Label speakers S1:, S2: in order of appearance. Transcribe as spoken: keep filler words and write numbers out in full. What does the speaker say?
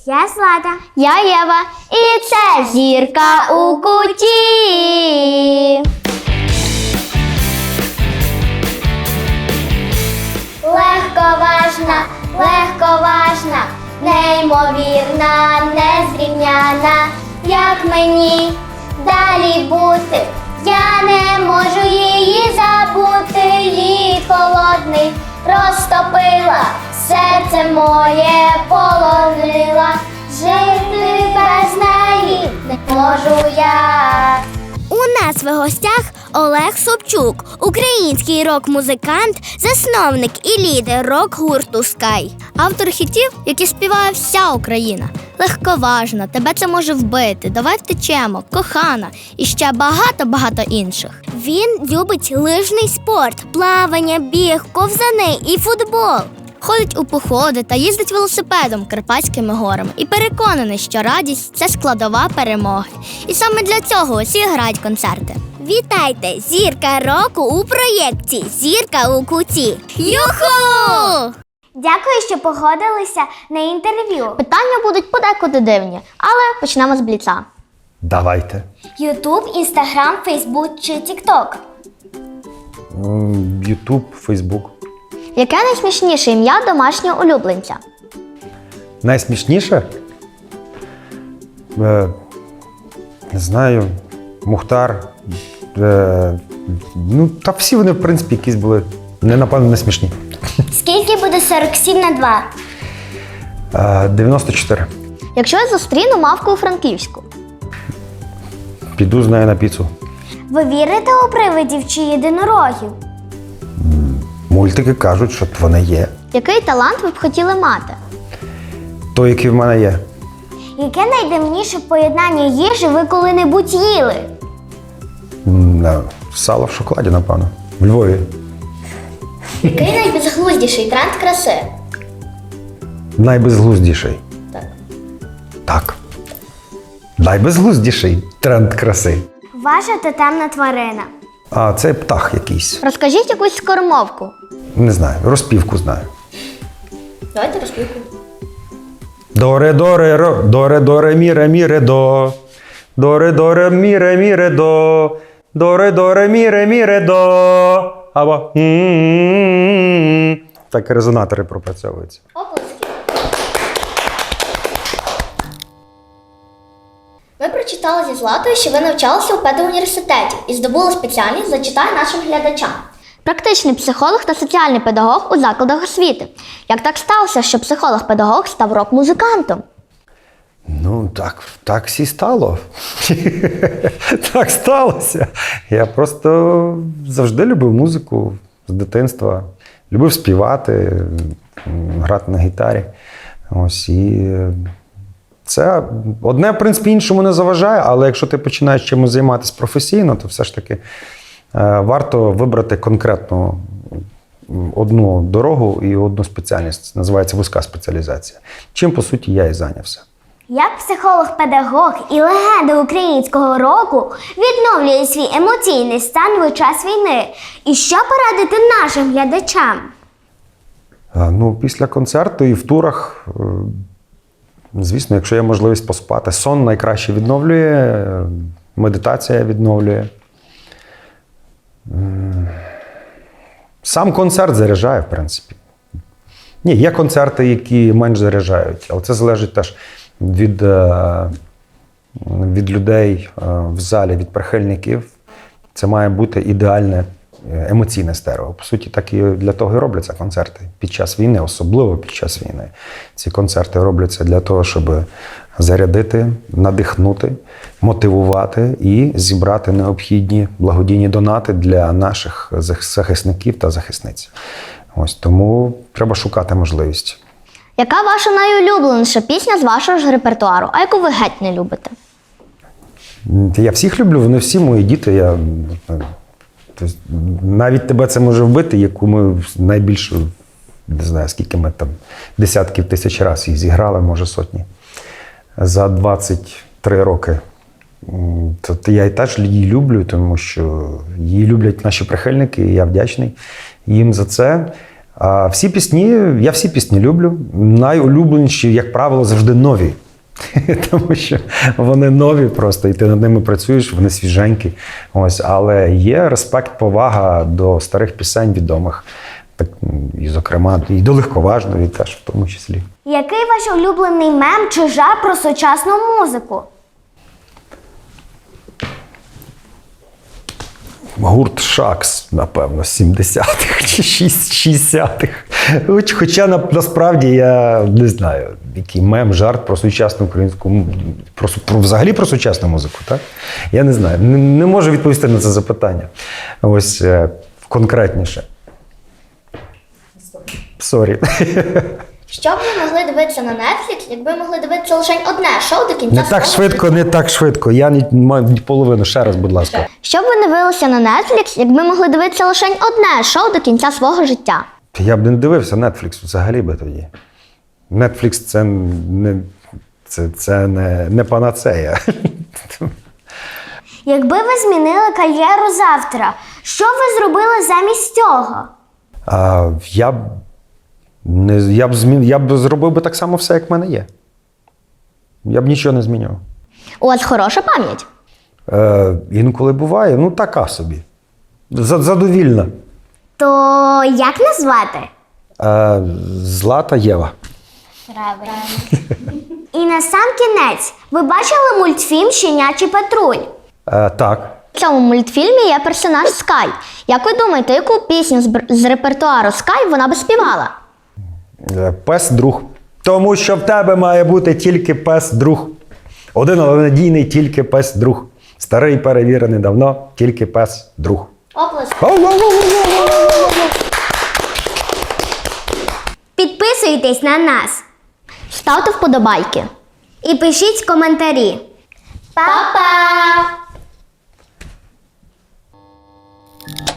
S1: Я Злата.
S2: Я Єва. І це зірка у куті. Легковажна, легковажна, неймовірна, незрівняна. Як мені далі бути? Я не можу її забути. Її холодний розтопила, серце моє полонила. Жити без неї не можу я.
S1: У нас в гостях Олег Собчук, український рок-музикант, засновник і лідер рок-гурту Sky.
S2: Автор хітів, які співає вся Україна. Легковажна, тебе це може вбити, давай втечемо, кохана і ще багато-багато інших.
S1: Він любить лижний спорт, плавання, біг, ковзани і футбол.
S2: Ходить у походи та їздить велосипедом Карпатськими горами і переконаний, що радість – це складова перемоги. І саме для цього усі грають концерти.
S1: Вітайте! Зірка року у проєкті «Зірка у куті».
S2: Юху!
S1: Дякую, що погодилися на інтерв'ю.
S2: Питання будуть подекуди дивні, але почнемо з бліца.
S3: Давайте.
S1: Ютуб, Інстаграм, Фейсбук чи Тікток?
S3: Ютуб, Фейсбук.
S2: Яке найсмішніше ім'я домашнього улюбленця?
S3: Найсмішніше? Е, не знаю, Мухтар. Е, ну, та всі вони, в принципі, якісь були, не, напевно, не смішні.
S1: Скільки буде сорок сім на два?
S3: Е, дев'яносто чотири.
S2: Якщо я зустріну мавку у Франківську?
S3: Піду з нею на піцу.
S1: Ви вірите у привидів чи єдинорогів?
S3: Мультики кажуть, що вони є.
S2: Який талант ви б хотіли мати?
S3: Той, який в мене є.
S1: Яке найдивніше поєднання їжі ви коли-небудь їли?
S3: М, е, Сало в шоколаді, напевно. В Львові.
S2: Який найбезглуздіший тренд краси?
S3: Найбезглуздіший.
S2: Так.
S3: Так. Найбезглуздіший тренд краси.
S1: Ваша тотемна тварина.
S3: А це птах якийсь.
S2: Розкажіть якусь скоромовку.
S3: Не знаю, розпівку знаю.
S2: Давайте розпівку.
S3: Доре, доре, ро, доре, доре, міре, міре, до. Доре, доре, міре, міре, до. Доре, доре, міре, міре, до. Або м-м-м. Так резонатори пропрацьовуються.
S2: Оплески. Ми прочитали зі Златою, що ви навчалися у педуніверситеті і здобули спеціальність «Зачитай нашим глядачам». Практичний психолог та соціальний педагог у закладах освіти. Як так сталося, що психолог-педагог став рок-музикантом?
S3: Ну, так, так всі стало. Так сталося. Я просто завжди любив музику з дитинства. Любив співати, грати на гітарі. Ось, і це одне, в принципі, іншому не заважає, але якщо ти починаєш чимось займатися професійно, то все ж таки варто вибрати конкретну одну дорогу і одну спеціальність. Називається вузька спеціалізація. Чим, по суті, я і зайнявся.
S1: Як психолог-педагог і легенда українського року відновлює свій емоційний стан в час війни? І що порадити нашим глядачам?
S3: Ну, після концерту і в турах, звісно, якщо є можливість поспати, сон найкраще відновлює, медитація відновлює. Сам концерт заряджає, в принципі. Ні, є концерти, які менш заряджають, але це залежить теж від, від людей в залі, від прихильників. Це має бути ідеальне емоційне стерео. По суті, так і для того і робляться концерти під час війни, особливо під час війни. Ці концерти робляться для того, щоб зарядити, надихнути, мотивувати і зібрати необхідні благодійні донати для наших захисників та захисниць. Ось тому треба шукати можливість.
S2: Яка ваша найулюбленіша пісня з вашого ж репертуару, а яку ви геть не любите?
S3: Я всіх люблю, вони всі мої діти. Я, тобто, навіть тебе це може вбити, яку ми найбільше, не знаю, скільки ми там, десятків тисяч разів їх зіграли, може сотні. За двадцять три роки. Тобто я і теж її люблю, тому що її люблять наші прихильники, і я вдячний їм за це. А всі пісні, я всі пісні люблю. Найулюбленіші, як правило, завжди нові. Тому що вони нові просто, і ти над ними працюєш, вони свіженькі. Ось, але є респект, повага до старих пісень відомих. Так, і, зокрема, і до легковажної теж, в тому числі.
S1: Який ваш улюблений мем чи жарт про сучасну музику?
S3: Гурт Шакс, напевно, з сімдесятих чи шістдесятих. Хоч- Хоча на- насправді я не знаю, який мем, жарт про сучасну українську м- про, су- про взагалі про сучасну музику, так? Я не знаю. Не, не можу відповісти на це запитання. Ось е, конкретніше. Сорі.
S2: Що б ви могли дивитися на Netflix, якби могли дивитися лише одне шоу до кінця
S3: Не так
S2: свого
S3: швидко, не так швидко. Я не маю ні половину. Ще раз, будь ласка.
S2: Що б ви не дивилися на Netflix, якби могли дивитися лише одне шоу до кінця свого життя?
S3: Я б не дивився Netflix взагалі би тоді. Netflix це не, це, це не, не панацея.
S1: Якби ви змінили кар'єру завтра, що б ви зробили замість цього?
S3: А, я б не я б змін, я б зробив би так само все, як в мене є. Я б нічого не змінював.
S2: У вас хороша пам'ять.
S3: Е, інколи буває, ну така собі. За- Задовільна.
S1: То як назвати?
S3: Е, Злата Єва.
S1: І на сам кінець, ви бачили мультфільм «Щенячий патруль»?
S3: Е, так.
S2: В цьому мультфільмі є персонаж Скай. Як ви думаєте, яку пісню з, бр- з репертуару Скай вона би співала?
S3: Е, Пес друг. Тому що в тебе має бути тільки пес друг. Один, але надійний тільки пес друг. Старий перевірений давно, тільки пес друг.
S2: Оплески.
S1: Підписуйтесь на нас
S2: Ставте вподобайки.
S1: і пишіть коментарі.
S2: Па-па!